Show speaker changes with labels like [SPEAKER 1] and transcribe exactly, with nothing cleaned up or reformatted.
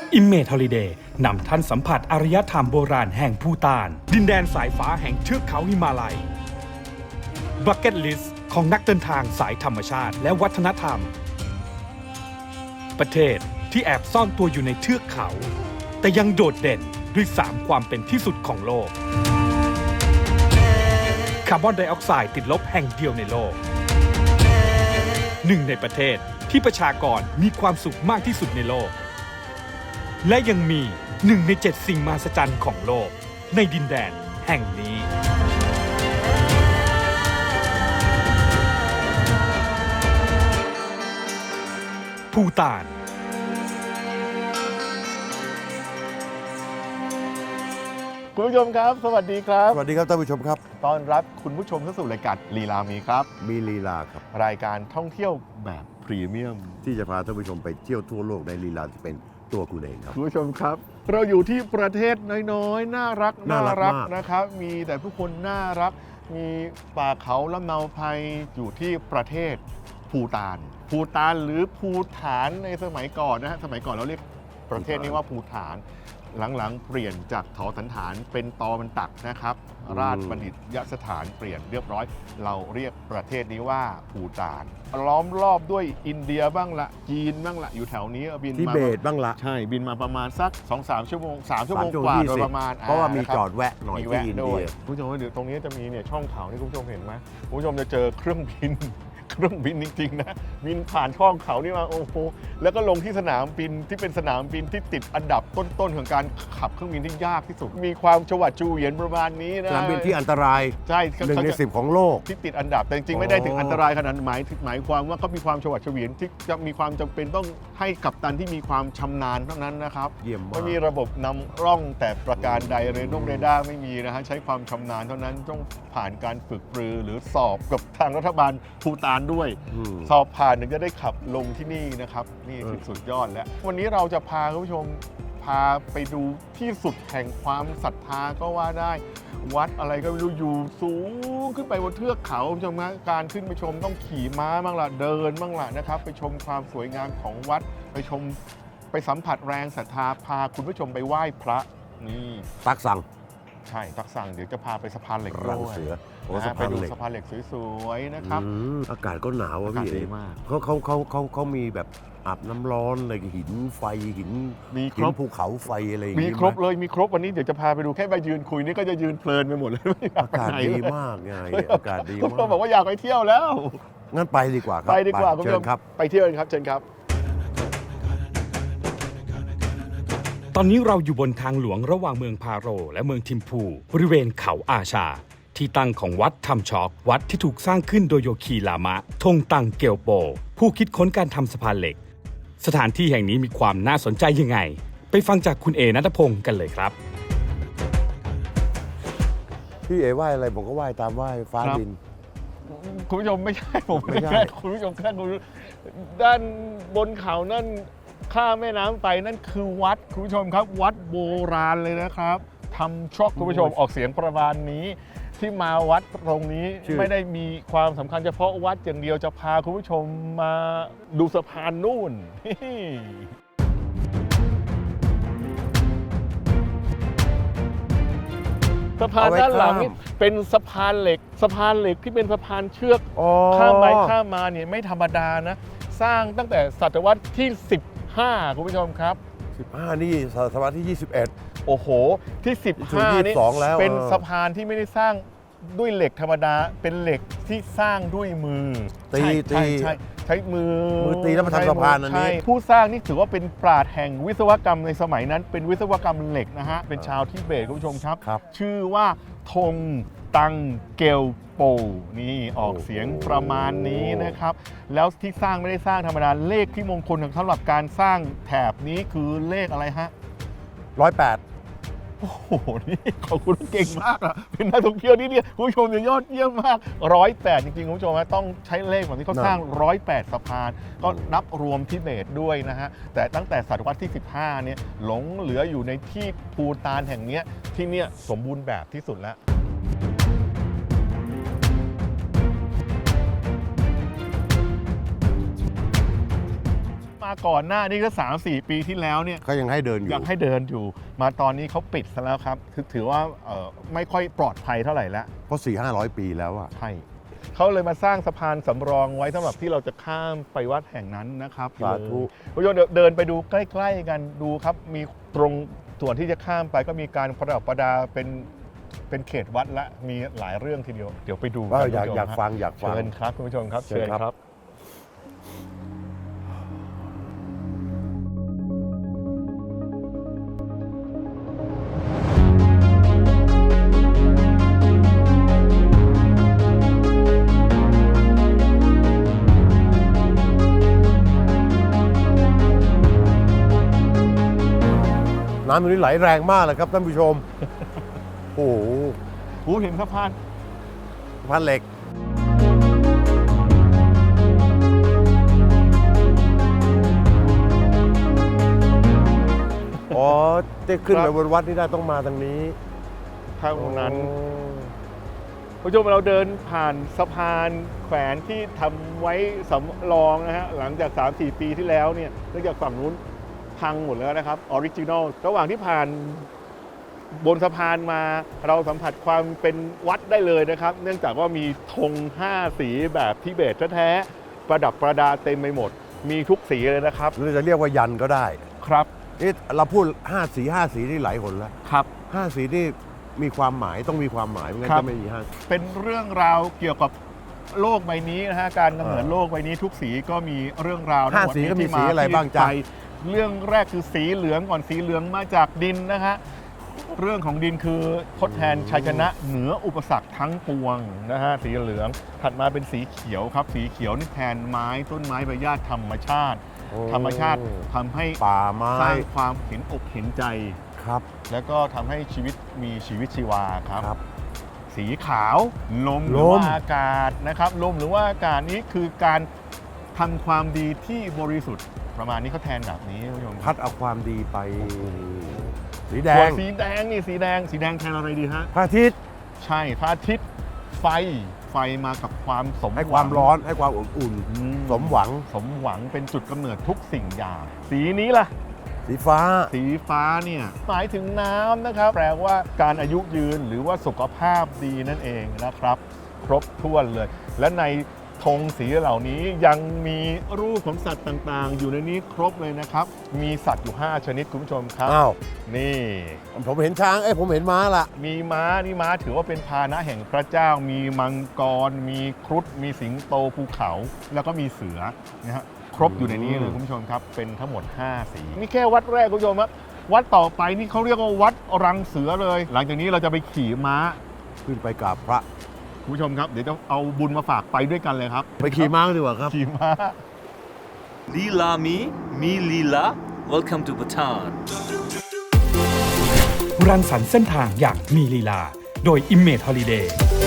[SPEAKER 1] Image Holiday นำท่านสัมผัสอารยธรรมโบราณแห่งภูฏานดินแดนสายฟ้าแห่งเทือกเขาหิมาลัย Bucket List ของนักเดินทางสายธรรมชาติและวัฒนธรรม ประเทศที่แอบซ่อนตัวอยู่ในเทือกเขาแต่ยังโดดเด่นด้วยสามความเป็นที่สุดของโลกคาร์บอนไดออกไซด์ติดลบแห่งเดียวในโลกหนึ่งในประเทศที่ประชากรมีความสุขมากที่สุดในโลกและยังมีหนึ่งในเจ็ดสิ่งมหัศจรรย์ของโลกในดินแดนแห่งนี้ภูฏาน
[SPEAKER 2] คุณผู้ชมครับสวัสดีครับ
[SPEAKER 3] สวัสดีครับท่านผู้ชมครับ
[SPEAKER 2] ต้อนรับคุณผู้ชมเข้าสู่รายการลีลามีครับ
[SPEAKER 3] มีลีลาครับ
[SPEAKER 2] รายการท่องเที่ยวแบบพรีเมียม
[SPEAKER 3] ที่จะพาท่านผู้ชมไปเที่ยวทั่วโลกในลีลาที่เป็นตัวคุณเองครับ
[SPEAKER 2] คุณผู้ชมครับเราอยู่ที่ประเทศน้อยๆน่ารัก
[SPEAKER 3] น่ารัก
[SPEAKER 2] นะครับมีแต่ผู้คนน่ารักมีป่าเขาลำเนาไพรอยู่ที่ประเทศภูฏานภูฏานหรือภูฐานในสมัยก่อนนะฮะสมัยก่อนเราเรียกประเทศนี้ว่าภูฐานหลังๆเปลี่ยนจากถอสันฐานเป็นตอมันตักนะครับราชบัณฑิตยสถานเปลี่ยนเรียบร้อยเราเรียกประเทศนี้ว่าภูฏานล้อมรอบด้วยอินเดียบ้างละจีนบ้างละอยู่แถวนี้บินมา
[SPEAKER 3] ทิเบตบ้างละ
[SPEAKER 2] ใช่บินมาประมาณสัก สองถึงสาม ชั่วโมงสามชั่วโมงกว่าโดยประมาณ
[SPEAKER 3] เพราะว่ามีจอดแวะหน่อยที่อินเดีย
[SPEAKER 2] คุณผู้ชมเดี๋ยวตรงนี้จะมีเนี่ยช่องเขาที่คุณผู้ชมเห็นไหมคุณผู้ชมจะเจอเครื่องบินเครื่องบินจริงๆนะบินผ่านช่องเขานี่มาโอ้โหแล้วก็ลงที่สนามบินที่เป็นสนามบินที่ติดอันดับต้นๆของการขับเครื่องบินที่ยากที่สุดมีความฉวัดฉวียนประมาณนี้นะ
[SPEAKER 3] สนามบินที่อันตราย
[SPEAKER 2] ใช่
[SPEAKER 3] หนึ่งในสิบของโลก
[SPEAKER 2] ที่ติดอันดับแต่จริงๆไม่ได้ถึงอันตรายขนาดหมายหมายความว่าเขามีความฉวัดเฉวียนที่จะมีความจำเป็นต้องให้กัปตันที่มีความชำนาญเท่านั้นนะครับ
[SPEAKER 3] เยี่ยมมาก
[SPEAKER 2] ไม่มีระบบนำร่องแต่ประการใดเรดงเรดาร์ไม่มีนะฮะใช้ความชำนาญเท่านั้นต้องผ่านการฝึกปรือหรือสอบกับทางรัฐบาลภูฏานด้วยสอบผ่านถึงจะได้ขับลงที่นี่นะครับนี่คือสุดยอดแล้ววันนี้เราจะพาคุณผู้ชมพาไปดูที่สุดแห่งความศรัทธาก็ว่าได้วัดอะไรก็ไม่รู้อยู่สูงขึ้นไปบนเทือกเขาคุณผู้ชมนะการขึ้นไปชมต้องขี่ม้าบ้างล่ะเดินบ้างล่ะนะครับไปชมความสวยงามของวัดไปชมไปสัมผัสแรงศรัทธาพาคุณผู้ชมไปไหว้พระนี่
[SPEAKER 3] ตักสั่ง
[SPEAKER 2] ใช่ตักสั่งเดี๋ยวจะพาไปสะพานเหล็กด้วย
[SPEAKER 3] นะ
[SPEAKER 2] ไปดูสะพานเหล็กสวยๆนะครับ
[SPEAKER 3] อากาศก็หนาวอ่ะพี่
[SPEAKER 2] ดีมาก
[SPEAKER 3] เขาเขาเขาเขาเขามีแบบอาบน้ำร้อนอะไรหินไฟหิน
[SPEAKER 2] มีครบ
[SPEAKER 3] ภูเขาไฟอะไรอย่างงี้
[SPEAKER 2] มีครบเลยมีครบวันนี้เดี๋ยวจะพาไปดูแค่ไปยืนคุยนี่ก็จะยืนเพลินไปหมดเลย
[SPEAKER 3] อากาศดีมากไงอากาศดีมาก
[SPEAKER 2] เราบอกว่าอยากไปเที่ยวแล้ว
[SPEAKER 3] งั้นไปดีกว่าครับ
[SPEAKER 2] ไปดีกว่าคุณ
[SPEAKER 3] ผู้ชมครับ
[SPEAKER 2] ไปเที่ยวกันครับเชิญครับ
[SPEAKER 1] ตอนนี้เราอยู่บนทางหลวงระหว่างเมืองพาโรและเมืองทิมพูบริเวณเขาอาชาที่ตั้งของวัดทำช็อกวัดที่ถูกสร้างขึ้นโดยโยคีลามะทงตังเกียวโปผู้คิดค้นการทำสะพานเหล็กสถานที่แห่งนี้มีความน่าสนใจยังไงไปฟังจากคุณเอณัฐพงศ์กันเลยครับ
[SPEAKER 3] พี่เอไหว้อะไรผมก็ไหว้ตามไหว้ฟ้าดิน
[SPEAKER 2] คุณผู้ชมไม่ใช่ผมไม่ใช่คุณผู้ชมแค่ดูด้านบนเขานั่นข้ามแม่น้ำไปนั่นคือวัดคุณผู้ชมครับวัดโบราณเลยนะครับทำช็อกคุณผู้ชมออกเสียงประมาณนี้ที่มาวัดตรงนี้ไม่ได้มีความสำคัญเฉพาะวัดอย่างเดียวจะพาคุณผู้ชมมาดูสะพานนู่นสะพานด้านหลังนี่เป็นสะพานเหล็กสะพานเหล็กที่เป็นสะพานเชือกข้ามไปข้ามมาเนี่ยไม่ธรรมดานะสร้างตั้งแต่ศตวรรษที่สิบห้าคุณผู้ชมครับ
[SPEAKER 3] สิบห้านี่ศตวรรษที่ยี่สิบเอ็ด
[SPEAKER 2] โอ้โหที่สิบห้านี่เป็นสะพานที่ไม่ได้สร้างด้วยเหล็กธรรมดาเป็นเหล็กที่สร้างด้วยมือ
[SPEAKER 3] ตีตี
[SPEAKER 2] ใช่ใช้มือ
[SPEAKER 3] มือตีแล้วมาทำสะพานอันนี้
[SPEAKER 2] ผู้สร้างนี่ถือว่าเป็นปราชญ์แห่งวิศวกรรมในสมัยนั้นเป็นวิศวกรรมเหล็กนะฮะเป็นชาวทิเบตคุณผู้ชมครับชื่อว่าธงตังเกียวโปนี่ออกเสียงประมาณนี้นะครับแล้วที่สร้างไม่ได้สร้างธรรมดาเลขที่มงคลสำหรับการสร้างแถบนี้คือเลขอะไรฮะ
[SPEAKER 3] ร้อยแปด
[SPEAKER 2] โอ้โหนี่ขอบคุณเก่งมากอ่ะเป็นนักท่องเที่ยวที่เนี่ยคุณผู้ชมเนี่ยยอดเยี่ยมมากร้อยแปดจริงๆคุณผู้ชมต้องใช้เลขแบบนี้เขาสร้างร้อยแปดสะพานก็นับรวมทิเบตด้วยนะฮะแต่ตั้งแต่ศตวรรษที่สิบห้าเนี่ยหลงเหลืออยู่ในที่ภูฏานแห่งนี้ที่เนี่ยสมบูรณ์แบบที่สุดแล้วมมาก่อนหน้านี่ก็สามสี่ปีที่แล้วเนี่ย
[SPEAKER 3] ก็ยังให้เดินอยู่
[SPEAKER 2] ยังให้เดินอยู่ มาตอนนี้เขาปิดซะแล้วครับคือถือว่าเอ่อไม่ค่อยปลอดภัยเท่าไหร่แล้ว
[SPEAKER 3] เพราะสี่ห้าร้อยปีแล้วอะ
[SPEAKER 2] ใช่เขาเลยมาสร้างสะพานสำรองไว้สำหรับที่เราจะข้ามไปวัดแห่งนั้นนะครับ
[SPEAKER 3] สาธุ
[SPEAKER 2] คุณผู้ชมเดี๋ยวเดินไปดูใกล้ๆกันดูครับ มีตรงส่วนที่จะข้ามไปก็มีการประดับประดาเป็นเป็นเขตวัดละมีหลายเรื่องทีเดียว เดี๋ยวไปดู
[SPEAKER 3] ว่า
[SPEAKER 2] กัน
[SPEAKER 3] อยาก
[SPEAKER 2] คุณผู้ชม
[SPEAKER 3] อยาก
[SPEAKER 2] ฮะ
[SPEAKER 3] ฟังอยากฟัง
[SPEAKER 2] เชิญครับคุณผู้ชมครับ
[SPEAKER 3] เชิญครับ น้ำตรงนี้ไหลแรงมากเลยครับท่านผู้ชม โอ้โห
[SPEAKER 2] โอ้เห็นสะพาน
[SPEAKER 3] พันเหล็ก อ๋อจะขึ้นไปบนวัดนี่ได้ต้องมาทางนี้
[SPEAKER 2] ทางนั้น
[SPEAKER 3] โอ้
[SPEAKER 2] คุณผู้ชมเราเดินผ่านสะพานแขวนที่ทำไว้สำรองนะฮะหลังจาก สามสี่ ปีที่แล้วเนี่ยเนื่องจากฝั่งนู้นพังหมดแล้วนะครับออริจินอลระหว่างที่ผ่านบนสะพานมาเราสัมผัสความเป็นวัดได้เลยนะครับ เนื่องจากว่ามีธงห้าสีแบบทิเบตแท้ๆประดับประดาเต็มไปหมด มีทุกสีเลยนะครับ
[SPEAKER 3] หรือจะเรียกว่ายันก็ได้
[SPEAKER 2] ครับ
[SPEAKER 3] นี่เราพูดห้าสีห้าสีนี่หลายหนแล้ว
[SPEAKER 2] ครับ
[SPEAKER 3] ห้าสีนี่มีความหมายต้องมีความหมายไม่งั้น
[SPEAKER 2] ครับ
[SPEAKER 3] จะไม่มีห้า
[SPEAKER 2] เป็นเรื่องราวเกี่ยวกับโลกใบนี้นะฮะการกำเนิด
[SPEAKER 3] เออ
[SPEAKER 2] โลกใบนี้ทุกสีก็มีเรื่องราว
[SPEAKER 3] ห้า
[SPEAKER 2] ทั้งหมด
[SPEAKER 3] สีก็มี
[SPEAKER 2] ที่
[SPEAKER 3] สีอะไรบ้างจ๊ะ
[SPEAKER 2] ที่ไปเรื่องแรกคือสีเหลืองก่อนสีเหลืองมาจากดินนะฮะเรื่องของดินคือทดแทนชัยชนะเหนืออุปสรรคทั้งปวงนะฮะสีเหลืองถัดมาเป็นสีเขียวครับ สีเขียวนี่แทนไม้ต้นไม้ใบหญ้าธรรมชาติ
[SPEAKER 3] โอ้
[SPEAKER 2] ธรรมชาติทำให้
[SPEAKER 3] ป่าไม้
[SPEAKER 2] สร้างความเห็นอกเห็นใจ
[SPEAKER 3] ครับ
[SPEAKER 2] แล้วก็ทำให้ชีวิตมีชีวิตชีวาครับ
[SPEAKER 3] ครับ
[SPEAKER 2] สีขาวลมห
[SPEAKER 3] ล
[SPEAKER 2] รือ
[SPEAKER 3] ม
[SPEAKER 2] ว่าอากาศนะครับลมหรือว่าอากาศนี้คือการทำความดีที่บริสุทธิ์ประมาณนี้เขาแทนแบบนี้คุณผู้ชม
[SPEAKER 3] พัดเอาความดีไป สีแด
[SPEAKER 2] ส่วน
[SPEAKER 3] ง
[SPEAKER 2] สีแดงนี่สีแดงสีแดงแทนอะไรดีฮะ
[SPEAKER 3] พระอาทิตย์
[SPEAKER 2] ใช่พระอาทิตย์ไฟไฟมากับความสม
[SPEAKER 3] ให้ความ
[SPEAKER 2] หง
[SPEAKER 3] ร้อนให้ความอบอุ่น
[SPEAKER 2] อื
[SPEAKER 3] สมหวัง
[SPEAKER 2] สมหวังเป็นจุดกำเนิดทุกสิ่งอย่าง สีนี้ล่ะ
[SPEAKER 3] สีฟ้า
[SPEAKER 2] สีฟ้าเนี่ยหมายถึงน้ำนะครับ แปลว่าการอายุยืนหรือว่าสุขภาพดีนั่นเองนะครับ ครบถ้วนเลย และในธงสีเหล่านี้ยังมีรูปของสัตว์ต่างๆ อยู่ในนี้ครบเลยนะครับ มีสัตว์อยู่ ห้า ชนิดคุณผู้ชมครับ
[SPEAKER 3] อ้าว
[SPEAKER 2] นี่
[SPEAKER 3] ผมเห็นช้าง เอ้ยผมเห็นม้าละ
[SPEAKER 2] มีม้านี่ม้าถือว่าเป็นพาหนะแห่งพระเจ้า มีมังกร มีครุฑมีสิงโตภูเขา แล้วก็มีเสือนะฮะครบอยู่ในนี้เลยคุณผู้ชมครับเป็นทั้งหมด ห้า สีนี่แค่วัดแรกคุณผู้ชมครับวัดต่อไปนี่เขาเรียกว่าวัดรังเสือเลย หลังจากนี้เราจะไปขี่ม้า
[SPEAKER 3] ขึ้นไปกราบพระ
[SPEAKER 2] คุณผู้ชมครับเดี๋ยวจะเอาบุญมาฝากไปด้วยกันเลยครับ
[SPEAKER 3] ไปขี่ม้ากันดีกว่าครับ
[SPEAKER 2] ขี่ม้า
[SPEAKER 4] Lila me, me Lila. Welcome to Bhutan.
[SPEAKER 1] รังสรรค์เส้นทางอย่างมีลีลา โดย Image Holiday